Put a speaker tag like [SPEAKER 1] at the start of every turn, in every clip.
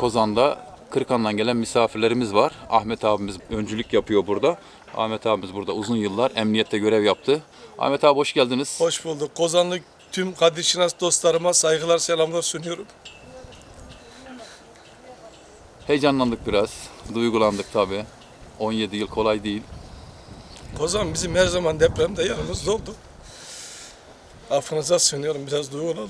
[SPEAKER 1] Kozan'da Kırıkhan'dan gelen misafirlerimiz var. Ahmet abimiz öncülük yapıyor burada. Ahmet abimiz burada uzun yıllar emniyette görev yaptı. Ahmet abi hoş geldiniz.
[SPEAKER 2] Hoş bulduk. Kozanlı tüm Kadir Şinas dostlarıma saygılar, selamlar sunuyorum.
[SPEAKER 1] Heyecanlandık biraz. Duygulandık tabii. 17 yıl kolay değil.
[SPEAKER 2] Kozan bizim her zaman depremde yanımızda oldu. Affınıza sığınıyorum, biraz duygulandım.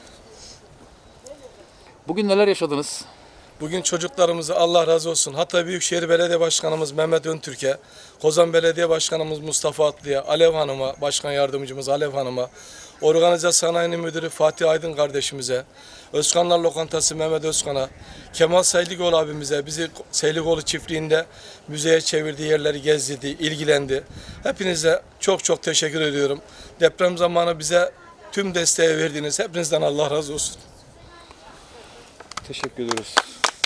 [SPEAKER 1] Bugün neler yaşadınız?
[SPEAKER 2] Bugün çocuklarımızı Allah razı olsun. Hatay Büyükşehir Belediye Başkanımız Mehmet Öntürk'e, Kozan Belediye Başkanımız Mustafa Atlı'ya, Alev Hanım'a, Başkan Yardımcımız Alev Hanım'a, Organize Sanayi Müdürü Fatih Aydın kardeşimize, Özkanlar Lokantası Mehmet Özkan'a, Kemal Seyligoğlu abimize, bizi Seyligoğlu çiftliğinde müzeye çevirdiği yerleri gezdirdi, ilgilendi. Hepinize çok çok teşekkür ediyorum. Deprem zamanı bize tüm desteği verdiğiniz hepinizden Allah razı olsun.
[SPEAKER 1] Teşekkür ediyoruz.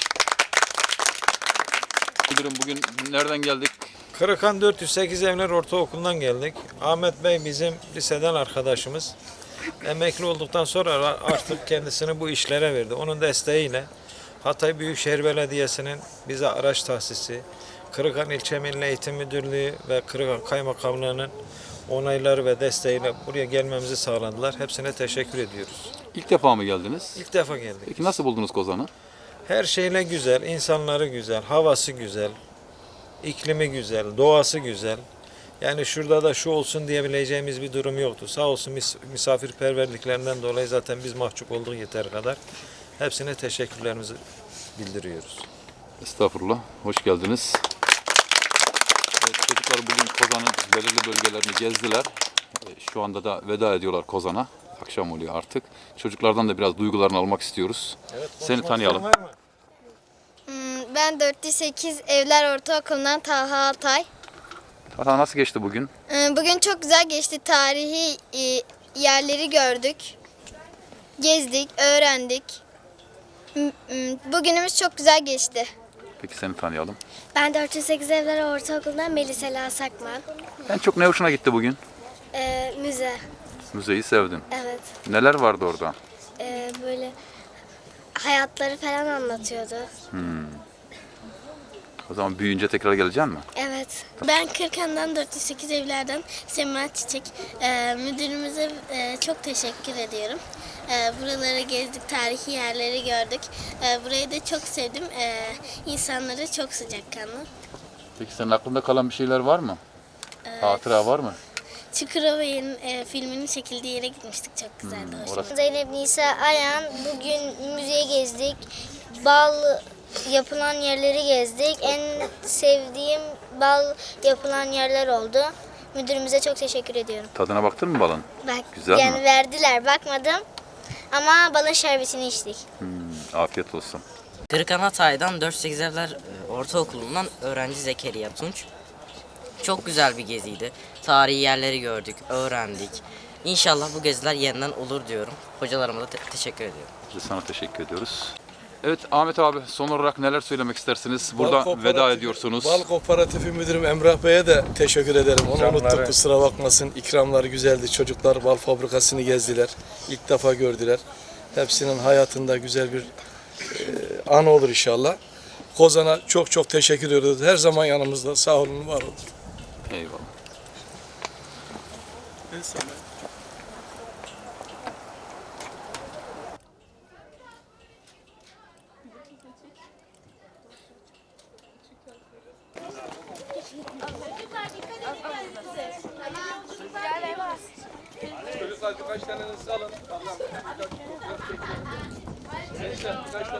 [SPEAKER 1] Müdürüm bugün nereden geldik?
[SPEAKER 3] Kırıkhan 408 Evler Ortaokulu'ndan geldik. Ahmet Bey bizim liseden arkadaşımız. Emekli olduktan sonra artık kendisini bu işlere verdi. Onun desteğiyle Hatay Büyükşehir Belediyesi'nin bize araç tahsisi, Kırıkhan İlçe Milli Eğitim Müdürlüğü ve Kırıkhan Kaymakamlığı'nın onayları ve desteğiyle buraya gelmemizi sağladılar. Hepsine teşekkür ediyoruz.
[SPEAKER 1] İlk defa mı geldiniz?
[SPEAKER 3] İlk defa geldik.
[SPEAKER 1] Peki nasıl buldunuz Kozan'ı?
[SPEAKER 3] Her şeyle güzel, insanları güzel, havası güzel, iklimi güzel, doğası güzel. Yani şurada da şu olsun diyebileceğimiz bir durum yoktu. Sağ olsun misafirperverliklerinden dolayı zaten biz mahcup olduk yeter kadar. Hepsine teşekkürlerimizi bildiriyoruz.
[SPEAKER 1] Estağfurullah. Hoş geldiniz. Evet, çocuklar bugün Kozan'ın belirli bölgelerini gezdiler. Şu anda da veda ediyorlar Kozan'a. Akşam oluyor artık. Çocuklardan da biraz duygularını almak istiyoruz.
[SPEAKER 3] Evet,
[SPEAKER 1] Seni tanıyalım.
[SPEAKER 4] Ben 408 Evler Ortaokulu'ndan Talha Altay.
[SPEAKER 1] Talha nasıl geçti bugün?
[SPEAKER 4] Bugün çok güzel geçti. Tarihi yerleri gördük. Gezdik, öğrendik. Bugünümüz çok güzel geçti.
[SPEAKER 1] Peki seni tanıyalım.
[SPEAKER 4] Ben 408 Evler Ortaokulu'ndan Melisela Sakman.
[SPEAKER 1] En çok ne hoşuna gitti bugün?
[SPEAKER 4] Müze.
[SPEAKER 1] Müzeyi sevdin.
[SPEAKER 4] Evet.
[SPEAKER 1] Neler vardı orada?
[SPEAKER 4] Böyle hayatları falan anlatıyordu.
[SPEAKER 1] O zaman büyüyünce tekrar geleceksin mi?
[SPEAKER 4] Evet.
[SPEAKER 5] Ben Kırkhan'dan 408 Evler'den Semra Çiçek. Müdürümüze çok teşekkür ediyorum. Buraları gezdik, tarihi yerleri gördük. Burayı da çok sevdim. İnsanları çok sıcakkanlı.
[SPEAKER 1] Peki senin aklında kalan bir şeyler var mı? Hatıra var mı?
[SPEAKER 5] Çukurova'nın filminin çekildiği yere gitmiştik. Çok güzeldi.
[SPEAKER 1] Orası.
[SPEAKER 4] Zeynep Nisa Ayan. Bugün müzeye gezdik. Bal yapılan yerleri gezdik. En sevdiğim bal yapılan yerler oldu. Müdürümüze çok teşekkür ediyorum.
[SPEAKER 1] Tadına baktın mı balın?
[SPEAKER 4] Bak,
[SPEAKER 1] Güzel
[SPEAKER 4] yani
[SPEAKER 1] mi?
[SPEAKER 4] verdiler, bakmadım. Ama balın şerbetini içtik.
[SPEAKER 1] Afiyet olsun.
[SPEAKER 6] Kırıkhan Hatay'dan 408 Evler Ortaokulu'ndan öğrenci Zekeriya Tunç. Çok güzel bir geziydi. Tarihi yerleri gördük, öğrendik. İnşallah bu geziler yeniden olur diyorum. Hocalarıma da teşekkür ediyorum.
[SPEAKER 1] Biz de sana teşekkür ediyoruz. Evet Ahmet abi son olarak neler söylemek istersiniz?
[SPEAKER 2] Bal
[SPEAKER 1] Burada
[SPEAKER 2] Kooperatifi-
[SPEAKER 1] veda ediyorsunuz.
[SPEAKER 2] Bal Kooperatifi Müdürüm Emrah Bey'e de teşekkür ederim. Onu
[SPEAKER 3] İkramları.
[SPEAKER 2] unuttuk, kusura bakmasın. İkramları güzeldi. Çocuklar bal fabrikasını gezdiler. İlk defa gördüler. Hepsinin hayatında güzel bir an olur inşallah. Kozan'a çok çok teşekkür ediyoruz. Her zaman yanımızda. Sağ olun, var olun.
[SPEAKER 1] Eyvallah.
[SPEAKER 2] Çocuklar birkaç tanenizi alın.